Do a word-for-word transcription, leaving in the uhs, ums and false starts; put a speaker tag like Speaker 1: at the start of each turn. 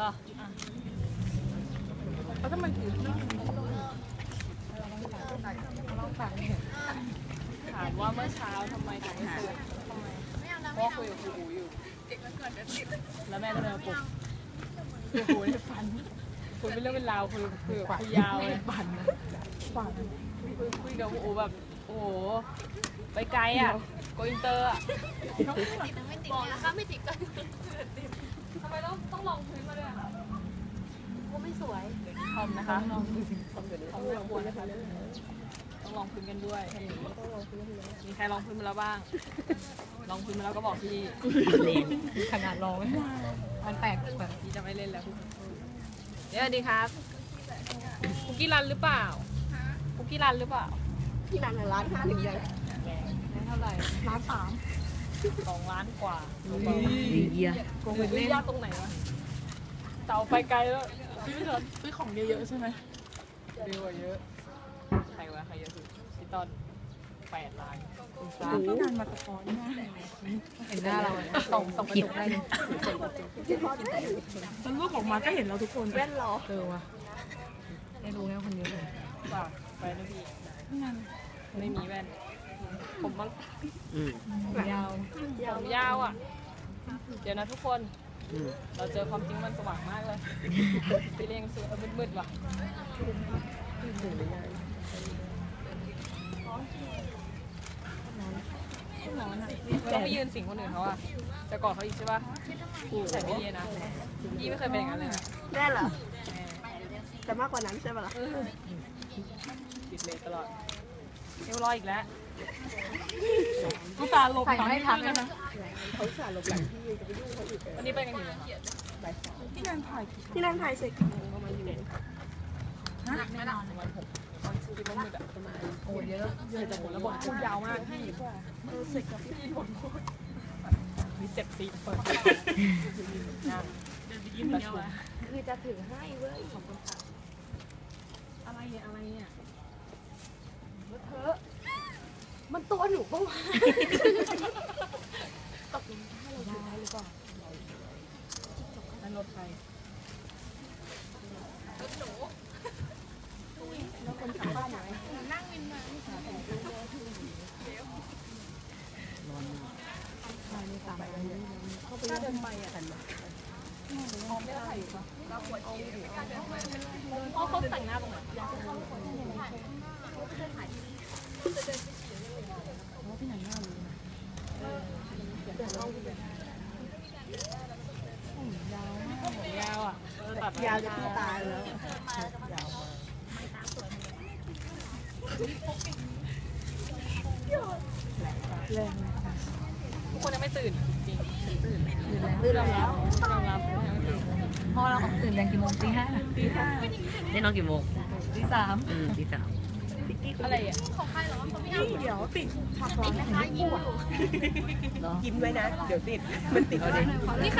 Speaker 1: อแล้วถ้ามันถือถามว่าเมื่อเช้าทำไมถึงไม่ตื่นทำไมเพราะคุยกับครูอูอยู่แล้วแม่ก็เลยมาปลุกครูอูเนี่ยฝันคุยเป็นเรื่องเป็นราวคุยคุยกับครูยาวเลยฝันฝันคุยกับครูอูแบบโอ้โหไปไกลอ่ะโกอินเตอร์อ่ะบอกนะคะไม่ติดกันทำไมต้องต้องลองพื้นมาด้วยก็ไม่สวยทอมนะคะลองพื้นทอมเดี๋ยวทอมลองพื้นนะคะต้องลองพื้นกันด้วยมีใครลองพื้นมาแล้วบ้างลองพื้นมาแล้วก็บอกพี่เล่นขนาดลองมันแปลกแบบพี่จะไม่เล่นแล้วเดี๋ยวดีครับคุกกี้รันหรือเปล่าคุกกี้รันหรือเปล่า
Speaker 2: ที่ร้านร้านห้าถึงยัง
Speaker 1: เท่าไหร่
Speaker 2: ร้านสาม
Speaker 1: สองล้านกว่า
Speaker 3: เยี่ย
Speaker 1: โกงเล่นยากตรงไหนวะเต่าไปไกลแล้วซื้อไม่ทันซื้อของเยอะๆใช่ไหมเยอะเยอะใครวะใครเยอะสุดพี่ต้นแปดล้าน
Speaker 2: พี่นันมาตะกอนหน้า
Speaker 1: เห็นหน้าเราส่งส่งกระจกได้เลย
Speaker 2: ตอนรูปออกมาก็เห็นเราทุกคนแว่นรอ
Speaker 1: เออวะได้รู้แล้วคนนี้เลยป่ะไปนะพี่ไม่มีแว่นผมมันยาวผมยาวอ่ะเดี๋ยวนะทุกคนเราเจอความจริงมันสว่างมากเลยพี่เลี้ยงสวยมืดๆว่ะต้องไม่ยืนสิงคนอื่นเขาอ่ะจะกอดเขาอีกใช่ป่ะใส่ไม่ดีนะยี่ไม่เคยเป็นอย่างนั้นเลยนะ
Speaker 2: แน่เหรอแต่มากกว่านั้นใช่ป่ะล่ะ
Speaker 1: ติดเลยตลอดเอวลอยอีกแล้ว
Speaker 2: กูตาลบหลังให้ทักนะ
Speaker 1: เขาสาลบหลังที่จะไปยุ่งเขาอีกวันนี้ไปกันอยู่ไหน
Speaker 2: ที่นั่นถ่ายที่นั่นถ่ายเสร็จประมาณอยู่
Speaker 1: ฮะไม่นอนวันหกตอนกินน้ำมืดอะประมาณโอ้เยอะเยอะแต่หมดแล้วบทพูดยาวมากพี่เสร็จกับพี่บทพูดมีเจ็บซีเปิดงานเดินไปยิ้มเดียวอะ
Speaker 2: คือจะถือให้เว้ยขอบคุณค่ะ
Speaker 1: อะไรเนี่ยอะไรเนี่ย
Speaker 2: เธอมันตัวหนูปะวะตกลงถ้าเราได้หรือเปล่า
Speaker 1: นั่นรถใคร
Speaker 2: รถหนูแล้วคนขับบ้านไหนนั่งวินมาร้อนมากใช่ตามไปเข้าไปเดินไปอ่ะ
Speaker 1: มองไม่ได้อยู่ปะเราปวดฉี่ไม่กล้าเดินไปเขาเขาแต่งหน้าตรงไหนที่ไหนหน้ารู้นะยาวมากยาวอ่ะ
Speaker 2: ยาวจะตายแล้ว
Speaker 1: ยาวมากแรงทุกคนยังไม่ตื่นจริงตื่น
Speaker 2: ตื่นแล้ว
Speaker 1: ตื่นแล้ว
Speaker 3: พอเราออกตื่นแรงกี่โมงตีห้า
Speaker 2: ตีห้า
Speaker 3: ได้นอนกี่โมง
Speaker 2: ตีสาม
Speaker 3: อืมตีสาม
Speaker 1: อะไรอ่ะ
Speaker 2: นี่เดี๋ยวติดผักร้อนนะคะยิ้มอยู่ยิ้มไว้นะเดี๋ยวติดมันติดเอาเด็ก